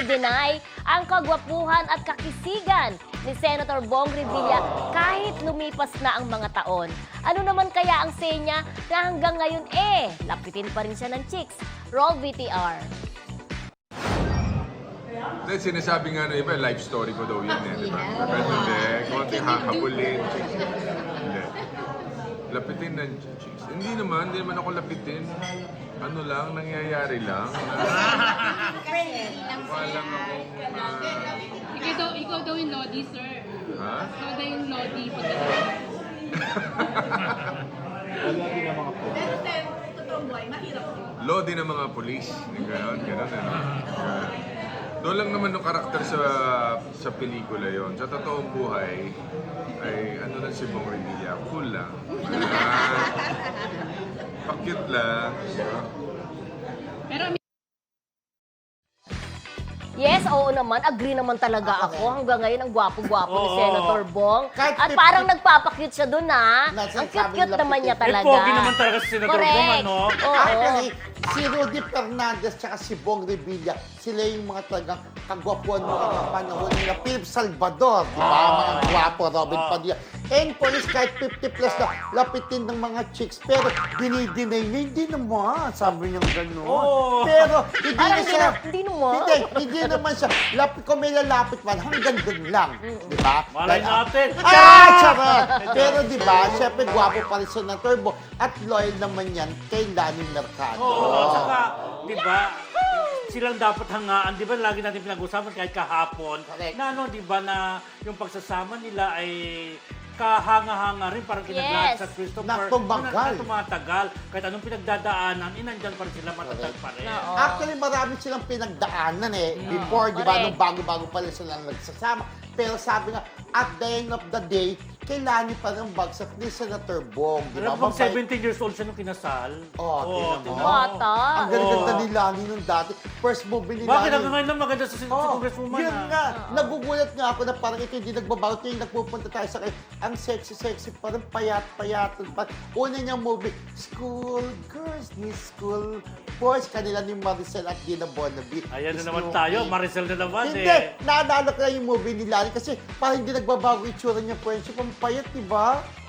i-deny ang kagwapuhan at kakisigan ni Senator Bong Revilla kahit lumipas na ang mga taon. Ano naman kaya ang say niya na hanggang ngayon lapitin pa rin siya ng chicks? Roll VTR. Dahil sinasabi nga ng iba, life story ko daw yun di ba? Pero hindi, konting hakapulin. Hindi. Lapitin ng chicks. Hindi naman ako lapitin. Ano lang, nangyayari lang. Walang akong... Ikaw daw yung Lodi, sir. Ha? Ikaw daw yung Lodi. Lodi ng mga polis. Ganon, ano. Doon lang naman yung karakter sa pelikula yon. Sa totoong buhay, ay ano lang si Bong Revilla, cool lang. Pakit lang. Pero Yes, oo naman. Agree naman talaga ako. Hanggang ngayon, ang gwapo-gwapo ni Oo. Senator Bong. Kahit At parang nagpapakute siya dun, ha? Nasa Ang cute-cute sabing naman niya lapit. talaga. Pogi naman talaga si Senator Correct. Bong, ano? Oo. Actually, si Rudy Fernandez at si Bong Revilla, sila yung mga talagang kagwapuan mo ng panahon nila. Philip Salvador, di ba? Mga gwapo, Robin Padilla. And police, kahit 50 plus na lapitin ng mga chicks. Pero dinidinay niya, hindi naman. Sabi niya gano'n. Oo. Pero hindi Parang na siya... hindi naman. Hindi naman siya. Kung may lalapit man, hanggang dun lang. Di ba? Malay natin. Charot! Pero di ba, syempre gwapo pa rin siya ng Turbo at loyal naman yan kay Lani Mercado. Oo, saka, di ba, silang dapat hangaan, di ba, lagi natin pinag-usapan kahit kahapon, Correct. na ano, di ba, na yung pagsasama nila ay kahanga-hanga rin, parang kinaglahat Yes. sa Christopher. Na tumagal. Na tumatagal. Kahit anong pinagdadaanan, nandyan pa rin sila, matatag pa rin. Oo. Actually, marami silang pinagdaanan before, di ba, Correct. nung bago-bago pa rin sila nagsasama. Pero sabi nga, at the end of the day, kay Lani pa rin bagsak ni Senator Bong. Di ba? Alam mo, Mabait. 17 years old siya nung kinasal. Oo, tingnan mo. Bata. Ang ganda Oo. ni Lani nung dati. First movie ni Bakit Lani. hanggang ngayon lang maganda sa congresswoman? Yun nga. Nagugulat nga ako na parang ito hindi nagbabago. Ito yung nagpupunta tayo sa kanya. Ang sexy-sexy, parang payat-payat. Una niyang movie, School Girls ni School Boys. Kanila ni Maricel at Gina Bonaby. Ayan na Is naman no tayo, way. Maricel na naman Hindi, naalala ko lang yung movie ni Lani kasi parang hindi nagbabago itsura niya friendship. Ang payat, di ba?